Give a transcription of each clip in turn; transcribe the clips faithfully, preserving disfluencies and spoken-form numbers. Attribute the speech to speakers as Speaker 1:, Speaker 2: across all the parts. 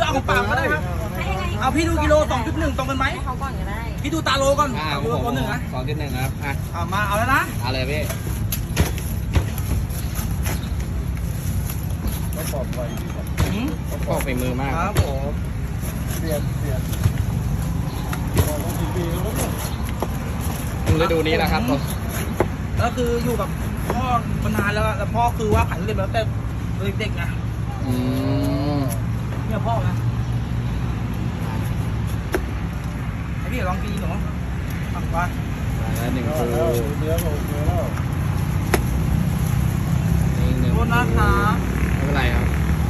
Speaker 1: เอาของป่าก็ได้ครับเอาพี่ดูกิโลสองจุดหนึ่งตรงกันไหมเขาก่อนก็ได้พี่ดูตาโลก่อนตาโลตัวหนึ่งนะ
Speaker 2: สองจุดหนึ่งครับอ่ะ
Speaker 1: เอามาเอาแล้วนะ
Speaker 2: เอาเลยพี่
Speaker 3: ก็ปลอดภัย
Speaker 2: ก็ฝีมือมาก
Speaker 1: ครับผม
Speaker 3: เปลี่ยนเปลี่ยนพอต้องปีๆแล้วเนี่ย
Speaker 2: ฤดูนี้นะครับ
Speaker 1: แล้วคืออยู่กับพ่อมานานแล้วแล้วพ่อคือว่าขายทุเรียนมาตั้งแต่เด็กๆไง
Speaker 2: อืม
Speaker 1: เนี่ยพ่อนะให้พี่ลองกินหนูทำก่อน
Speaker 2: แล้วหนึ่งคู
Speaker 3: เนื้อเนื้อแล้ว
Speaker 2: หนึ่ง
Speaker 1: โทษนะคะ
Speaker 2: ไม่เป็นไรครับ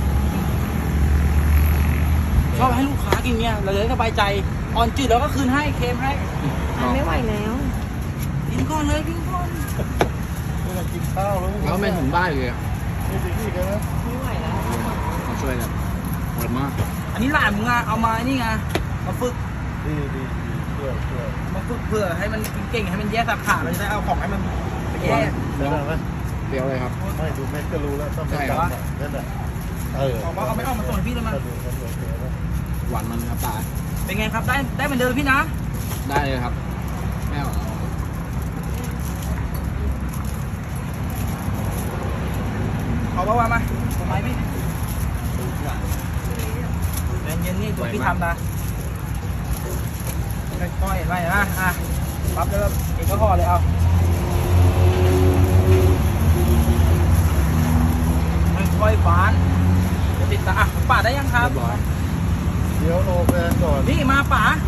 Speaker 1: ชอบให้ลูกค้ากินเนี่ยเราจะได้สบายใจอ่อนจืดแล้วก็คืนให้เค็มให้
Speaker 4: ไม่ไหวแล้ว
Speaker 1: กินก่อนเลยกินก่อน
Speaker 3: ไม่ต้องกินข้าวแล้ว
Speaker 2: แล้วไม่ถึงบ้านเลย
Speaker 3: ไม่ถึงที่กันนะ
Speaker 4: ไม่ไหวแล้ว
Speaker 2: มาช่วยกันหมดมาก
Speaker 1: อันนี้หลานมึงอะเอามานี่ไงมาฝึก
Speaker 3: ดีดีเพื่อเพื่อ
Speaker 1: มาฝึกเพื่อให้มันกินเก่งให้มันแยกสาขาเราจะได้เอาของให้มันไปแยก
Speaker 3: เดี๋ยวนะ
Speaker 2: เดี๋ยวเลยครับ
Speaker 3: ไม่ดูเม็ดก็รู้แล้วต้องเป็นดำนั่นแหละเออ
Speaker 1: เอาเอาไม่เอามาส่งให้พี่เลยมั้ย
Speaker 2: หวานมันครับตา
Speaker 1: เป็นไงครับได้ได้เหมือนเดิมพี่นะ
Speaker 2: ได้เลยครับแม่เอา
Speaker 1: ขอบอกว่ามาทำไมพี่เย็นๆนี่ตัวพี่ทำนะค่อยๆไปนะอ่ะปั๊บแล้วเองก็ห่อเลยเอาค่อยๆฟ้านจะติดตาอ่ะป่าได้ยังครับ
Speaker 3: เดี๋ยวโลแฟนก่อน
Speaker 1: พี่มาป่า